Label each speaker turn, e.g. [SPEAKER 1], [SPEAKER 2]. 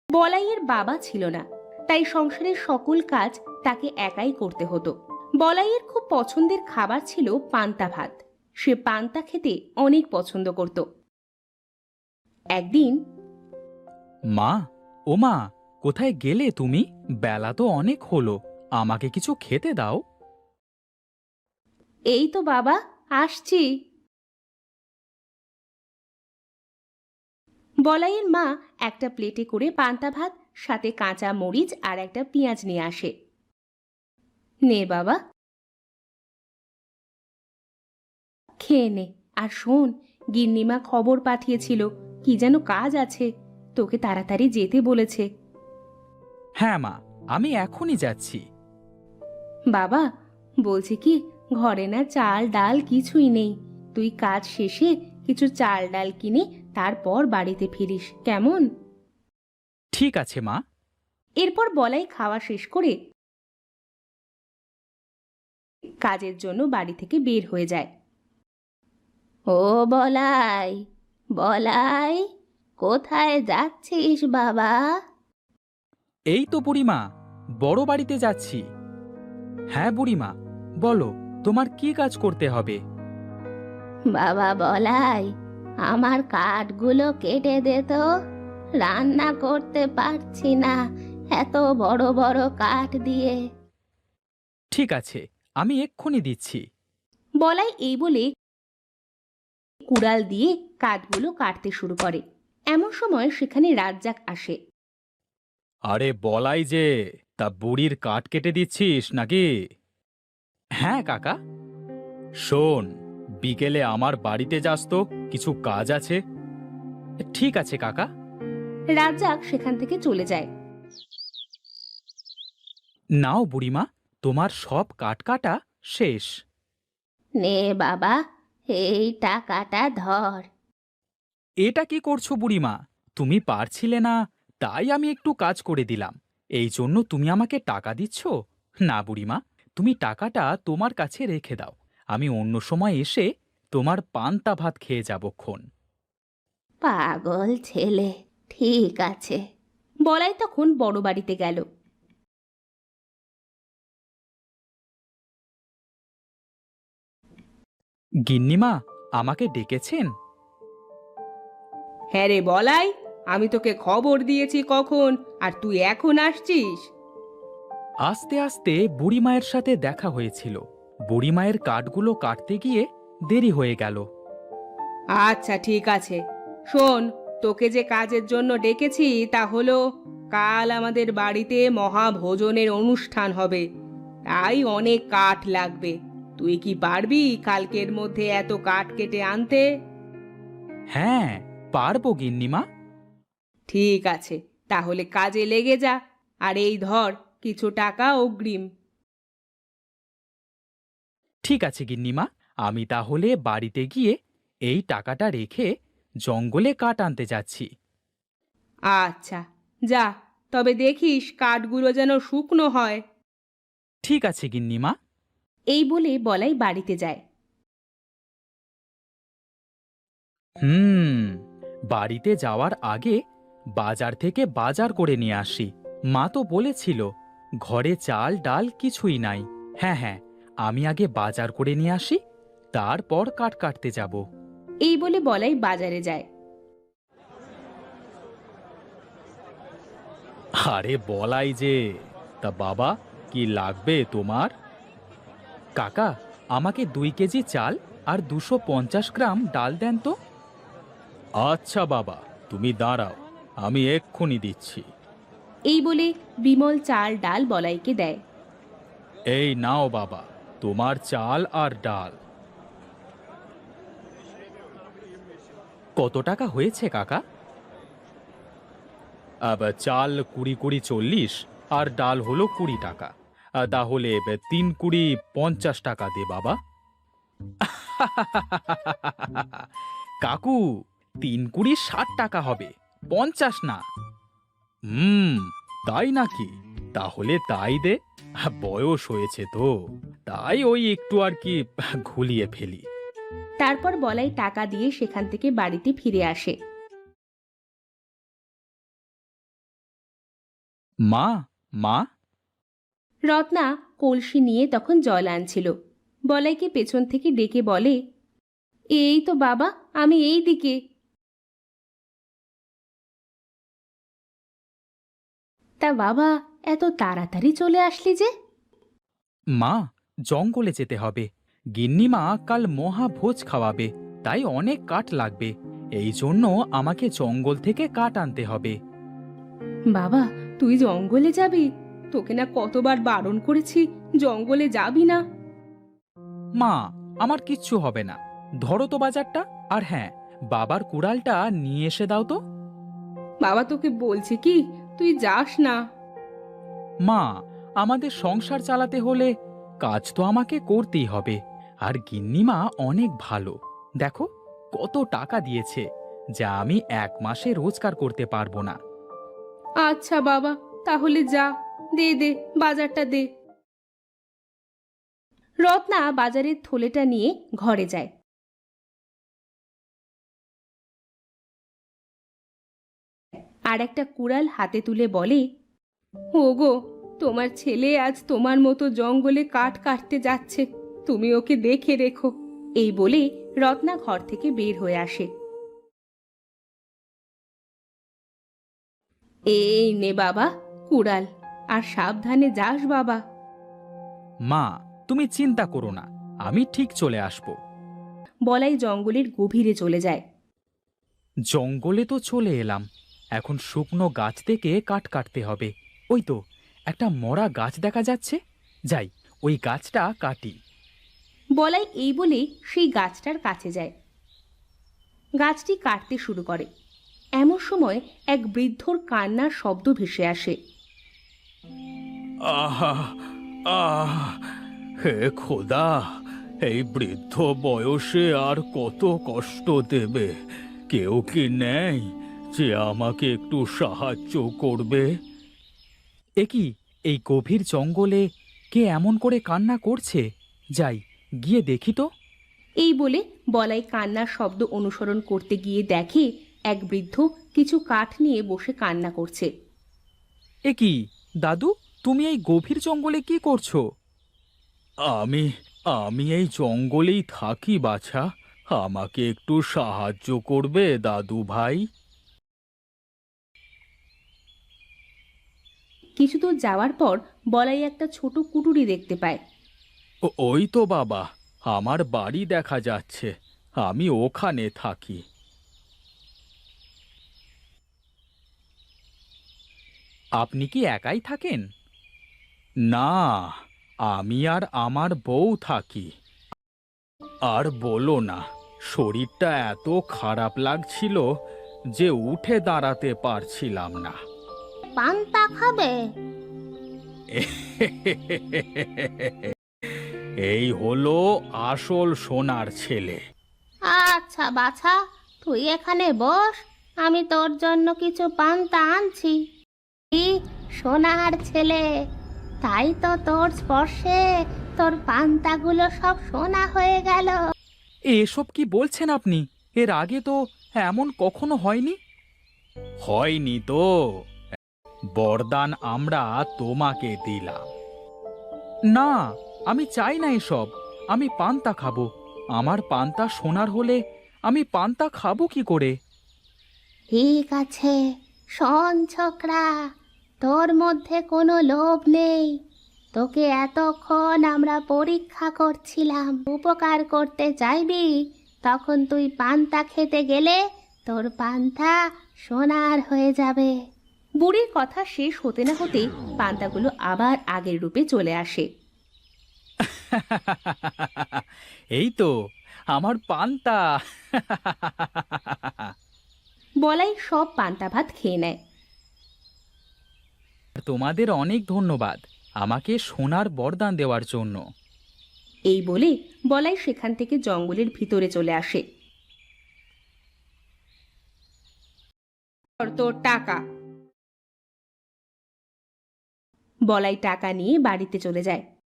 [SPEAKER 1] বলাইয়ের বাবা ছিল না, তাই সংসারের সকল কাজ তাকে একাই করতে হতো। বলাইয়ের খুব পছন্দের খাবার ছিল পান্তা ভাত। সে পান্তা খেতে অনেক পছন্দ করত। একদিন,
[SPEAKER 2] মা, ও মা, কোথায় গেলে তুমি? বেলা তো অনেক হলো, আমাকে কিছু খেতে দাও।
[SPEAKER 1] এই তো বাবা, আসছি। বলাইয়ের মা একটা প্লেটে করে পান্তা ভাত, সাথে কাঁচা মরিচ আর একটা পেঁয়াজ নিয়ে আসে। নে বাবা, খেয়ে নে। আর শোন, গিন্নিমা খবর পাঠিয়েছিল, কি যেন কাজ আছে, তোকে তাড়াতাড়ি যেতে বলেছে।
[SPEAKER 2] হ্যাঁ মা, আমি এখনই যাচ্ছি।
[SPEAKER 1] বাবা, বলছি কি, ঘরে না চাল ডাল কিছুই নেই। তুই কাজ শেষে কিছু চাল ডাল কিনে তারপর বাড়িতে ফিরিস, কেমন?
[SPEAKER 2] ঠিক আছে মা।
[SPEAKER 1] এরপর বলাই খাওয়া শেষ করে কাজের জন্য বাড়ি থেকে বের হয়ে যায়। ও বলাই, বলাই, কোথায় যাচ্ছিস বাবা?
[SPEAKER 2] এই তো বুড়িমা, বড় বাড়িতে যাচ্ছি। হ্যাঁ বুড়িমা, বলো, তোমার কি কাজ করতে হবে?
[SPEAKER 1] বাবা বলাই, আমার কাঠগুলো কেটে দে তো, রান্না করতে পারছি না এত বড় বড় কাঠ দিয়ে।
[SPEAKER 2] ঠিক আছে, আমি এক্ষুনি দিচ্ছি।
[SPEAKER 1] বলাই এই বলে কুড়াল দিয়ে কাঠগুলো কাটতে শুরু করে। এমন সময় সেখানে রাজ্জাক আসে।
[SPEAKER 2] আরে বলাই যে, তা বুড়ির কাঠ কেটে দিচ্ছিস নাকি? হ্যাঁ কাকা। শোন, বিকেলে আমার বাড়িতে যাস তো, কিছু কাজ আছে। ঠিক আছে কাকা।
[SPEAKER 1] রাজ্জাক সেখান থেকে চলে যায়।
[SPEAKER 2] নাও বুড়িমা, তোমার সব কাঠ কাটা শেষ।
[SPEAKER 1] নে বাবা, এই টাকাটা ধর।
[SPEAKER 2] এটা কি করছো বুড়িমা? তুমি পারছিলে না, তাই আমি একটু কাজ করে দিলাম, এই জন্য তুমি আমাকে টাকা দিচ্ছ? না বুড়িমা, তুমি টাকাটা তোমার কাছে রেখে দাও, আমি অন্য সময় এসে তোমার পান্তা ভাত খেয়ে যাবক্ষণ।
[SPEAKER 1] পাগল ছেলে, ঠিক আছে। বলাই তখন বড় বাড়িতে গেল।
[SPEAKER 2] গিন্নিমা, আমাকে ডেকেছেন?
[SPEAKER 1] হ্যাঁ রে বলাই, আমি তোকে খবর দিয়েছি কখন, আর তুই এখন আসছিস?
[SPEAKER 2] আস্তে আস্তে বুড়িমায়ের সাথে দেখা হয়েছিল, বুড়িমায়ের কাঠগুলো কাটতে গিয়ে দেরি হয়ে গেল।
[SPEAKER 1] আচ্ছা ঠিক আছে, শোন, তোকে যে কাজের জন্য ডেকেছি তা হলো, কাল আমাদের বাড়িতে মহাভোজনের অনুষ্ঠান হবে, তাই অনেক কাঠ লাগবে। তুই কি পারবি কালকের মধ্যে এত কাঠ কেটে আনতে?
[SPEAKER 2] হ্যাঁ, পারবো গিন্নিমা।
[SPEAKER 1] ঠিক আছে, তাহলে কাজে লেগে যা। আর এই ধর কিছু টাকা অগ্রিম।
[SPEAKER 2] ঠিক আছে গিন্নিমা, আমি তাহলে বাড়িতে গিয়ে এই টাকাটা রেখে জঙ্গলে কাঠ আনতে যাচ্ছি।
[SPEAKER 1] আচ্ছা, যা, তবে দেখিস কাঠগুলো যেন শুকনো হয়।
[SPEAKER 2] ঠিক আছে গিন্নিমা।
[SPEAKER 1] এই বলে বলাই বাড়িতে যায়।
[SPEAKER 2] হুম, বাড়িতে যাওয়ার আগে বাজার থেকে বাজার করে নিয়ে আসি। মা তো বলেছিল ঘরে চাল ডাল কিছুই নাই। হ্যাঁ হ্যাঁ, আমি আগে বাজার করে নিয়ে আসি, তারপর কাঠ কাটতে যাব।
[SPEAKER 1] এই বলে বলাই বাজারে যায়।
[SPEAKER 2] আরে বলাই যে, তা বাবা, কি লাগবে তোমার? কাকা, আমাকে 2 কেজি চাল আর 250 গ্রাম ডাল দেন তো। আচ্ছা বাবা, তুমি দাঁড়াও, আমি এক্ষুনি দিচ্ছি।
[SPEAKER 1] এই বলে বিমল চাল ডাল বলাইকে দেয়।
[SPEAKER 2] এই নাও বাবা, তোমার চাল আর ডাল। কত টাকা হয়েছে কাকা? চাল 20 20 40, আর ডাল হলো 20 টাকা। তাহলে 3 20 50 টাকা দে বাবা। কাকু, 3 20 60 টাকা হবে, 50 না। হুম, তাই নাকি? তাহলে তাই দে, বয়স হয়েছে তো, তাই ওই একটু আর কি ঘুলিয়ে ফেলি।
[SPEAKER 1] তারপর বলাই টাকা দিয়ে সেখান থেকে বাড়িতে ফিরে আসে।
[SPEAKER 2] মা, মা।
[SPEAKER 1] রত্না কলসি নিয়ে তখন জল আনছিল। বলাইকে পেছন থেকে ডেকে বলে, এই তো বাবা, আমি এই দিকে। তা বাবা, এত তাড়াতাড়ি চলে আসলি যে?
[SPEAKER 2] মা, জঙ্গলে যেতে হবে। গিন্নিমা কাল মহাভোজ খাওয়াবে, তাই অনেক কাঠ লাগবে। এই জন্য আমাকে জঙ্গল থেকে কাঠ আনতে হবে।
[SPEAKER 1] বাবা, তুই জঙ্গলে যাবি? তোকে না কতবার বারণ করেছি জঙ্গলে যাবি না।
[SPEAKER 2] মা, আমার কিচ্ছু হবে না। ধরো তো বাজারটা, আর হ্যাঁ, বাবার কুড়ালটা নিয়ে এসে দাও তো।
[SPEAKER 1] বাবা, তোকে বলছি কি, তুই যাস না।
[SPEAKER 2] মা, আমাদের সংসার চালাতে হলে কাজ তো আমাকে করতেই হবে। আর গিন্নিমা অনেক ভালো, দেখো কত টাকা দিয়েছে, যা আমি 1 মাসে রোজগার করতে পারবো না।
[SPEAKER 1] আচ্ছা বাবা, তাহলে যা, দে দে, বাজারটা দে। রত্না বাজারের থলেটা নিয়ে ঘরে যায়। আর একটা কুড়াল হাতে তুলে বলে, ওগো, তোমার ছেলে আজ তোমার মতো জঙ্গলে কাঠ কাটতে যাচ্ছে, তুমি ওকে দেখে রেখো। এই বলে রত্না ঘর থেকে বের হয়ে আসে। এই নে বাবা কুড়াল, আর সাবধানে যাস বাবা।
[SPEAKER 2] মা, তুমি চিন্তা করো না, আমি ঠিক চলে আসব।
[SPEAKER 1] বলাই জঙ্গলের গভীরে চলে যায়।
[SPEAKER 2] জঙ্গলে তো চলে এলাম, এখন শুকনো গাছ থেকে কাঠ কাটতে হবে। ওই তো একটা মরা গাছ দেখা যাচ্ছে, যাই ওই গাছটা কাটি।
[SPEAKER 1] বলাই এই বলে সেই গাছটার কাছে যায়। গাছটি কাটতে শুরু করে। এমন সময় এক বৃদ্ধর কান্নার শব্দ ভেসে আসে।
[SPEAKER 2] আহা, আহ, হে খোদা, এই বৃদ্ধ বয়সে আর কত কষ্ট দেবে? কেউ কি নেই যে আমাকে একটু সাহায্য করবে? এ কি, এই গভীর জঙ্গলে কে এমন করে কান্না করছে? যাই, গিয়ে দেখি তো।
[SPEAKER 1] এই বলে বলাই কান্নার শব্দ অনুসরণ করতে গিয়ে দেখে এক বৃদ্ধ কিছু কাঠ নিয়ে বসে কান্না করছে।
[SPEAKER 2] এ কি দাদু, তুমি এই গভীর জঙ্গলে কি করছো? আমি আমি এই জঙ্গলেই থাকি বাছা। আমাকে একটু সাহায্য করবে দাদু ভাই?
[SPEAKER 1] কিছু দূর যাওয়ার পর বলাই একটা ছোট কুটুরি দেখতে পায়।
[SPEAKER 2] ওই তো বাবা, আমার বাড়ি দেখা যাচ্ছে। আমি ওখানে থাকি। আপনি কি একাই থাকেন? না, আমি আর আমার বউ থাকি। আর বলো না, শরীরটা এত খারাপ লাগছিল যে উঠে দাঁড়াতে পারছিলাম না।
[SPEAKER 1] পান্তা খাবে?
[SPEAKER 2] এই হলো আসল সোনার ছেলে।
[SPEAKER 1] আচ্ছা বাছা, তুই এখানে বস, আমি তোর জন্য কিছু পান্তা আনছি। কি সোনার ছেলে, তাই তো তোর স্পর্শে তোর পান্তাগুলো সব সোনা হয়ে গেল।
[SPEAKER 2] এসব কি বলছেন আপনি? এর আগে তো এমন কখনো হয়নি। হয়নি তো, বরদান আমরা তোমাকে দিলাম। না, আমি চাই না এসব। আমি পান্তা খাবো। আমার পান্তা সোনার হলে আমি পান্তা খাবো কি করে?
[SPEAKER 1] ঠিক আছে, শোন ছোকরা, তোর মধ্যে কোনো লোভ নেই। তোকে এতক্ষণ আমরা পরীক্ষা করছিলাম, উপকার করতে চাইবি, তখন তুই পান্তা খেতে গেলে তোর পান্তা সোনার হয়ে যাবে। বুড়ির কথা শেষ হতে না হতেই পান্তাগুলো আবার আগের রূপে চলে আসে।
[SPEAKER 2] এই তো আমার পান্তা।
[SPEAKER 1] বলাই সব পান্তা ভাত খেয়ে নেয়।
[SPEAKER 2] তোমাদের অনেক ধন্যবাদ আমাকে সোনার বরদান দেওয়ার জন্য।
[SPEAKER 1] এই বলে বলাই সেখান থেকে জঙ্গলের ভিতরে চলে আসে। তোর টাকা। বলাই টাকা নিয়ে বাড়িতে চলে যায়।